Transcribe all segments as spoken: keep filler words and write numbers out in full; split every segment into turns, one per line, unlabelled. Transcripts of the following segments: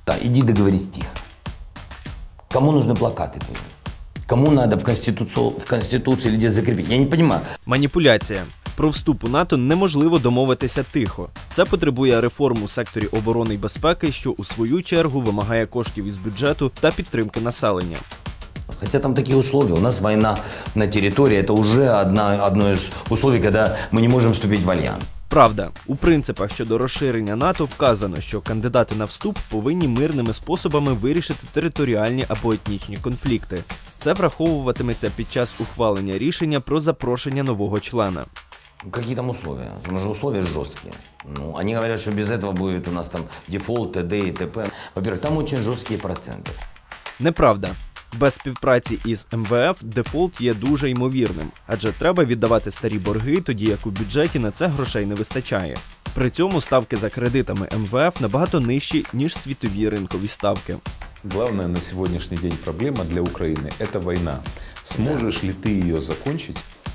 Да, иди договорись тихо. Кому нужны плакаты? Кому надо в Конституцию, в Конституции или где закрепить? Я не понимаю.
Маніпуляція. Про вступ у НАТО неможливо домовитися тихо. Це потребує реформ у секторі оборони і безпеки, що у свою чергу вимагає коштів із бюджету та підтримки населення.
Хотя там такие условия. У нас война на территории. Это уже одна, одно из условий, когда мы не можем вступить в альянс.
Правда, у принципах щодо розширення НАТО вказано, що кандидати на вступ повинні мирними способами вирішити територіальні або етнічні конфлікти. Це враховуватиметься під час ухвалення рішення про запрошення нового члена.
Какие там условия? Там же условия жесткие. Ну, они говорят, что без этого будет у нас там дефолт, т.д. и т.п. Во-первых, там очень жесткие проценты.
Неправда. Без співпраці із ем ве еф дефолт є дуже ймовірним, адже треба віддавати старі борги, тоді як у бюджеті на це грошей не вистачає. При цьому ставки за кредитами ем ве еф набагато нижчі, ніж світові ринкові ставки.
Главная на сегодняшний день проблема для Украины – это война. Сможешь ли ты ее закончить?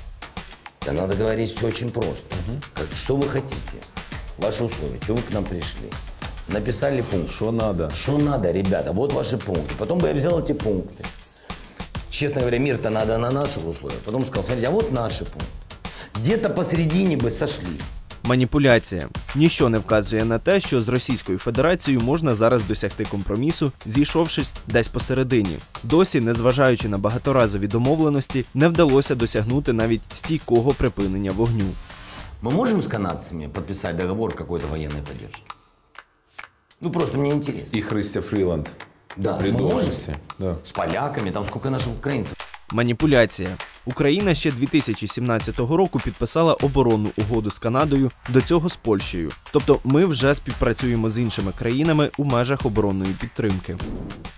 Да надо говорить все очень просто. Угу. Как, что вы хотите? Ваши условия. Чего вы к нам пришли? Написали пункт.
Что надо?
Что надо, ребята? Вот ваши пункты. Потом бы я взял эти пункты. Честно говоря, мир-то надо на наших условиях. Потом сказал, смотрите, а вот наши пункты. Где-то посередине бы сошли.
Маніпуляція. Ніщо не вказує на те, що з Російською Федерацією можна зараз досягти компромісу, зійшовшись десь посередині. Досі, незважаючи на багаторазові домовленості, не вдалося досягнути навіть стійкого припинення вогню.
Мы можем с канадцами подписать договор какой-то военной поддержки? Ну, просто мне интересно.
И Христя Фриланд.
Да,
при
мы можем.
должности. Да.
С поляками, там сколько наших украинцев.
Маніпуляція. Україна ще дві тисячі сімнадцятого року підписала оборонну угоду з Канадою, до цього з Польщею. Тобто ми вже співпрацюємо з іншими країнами у межах оборонної підтримки.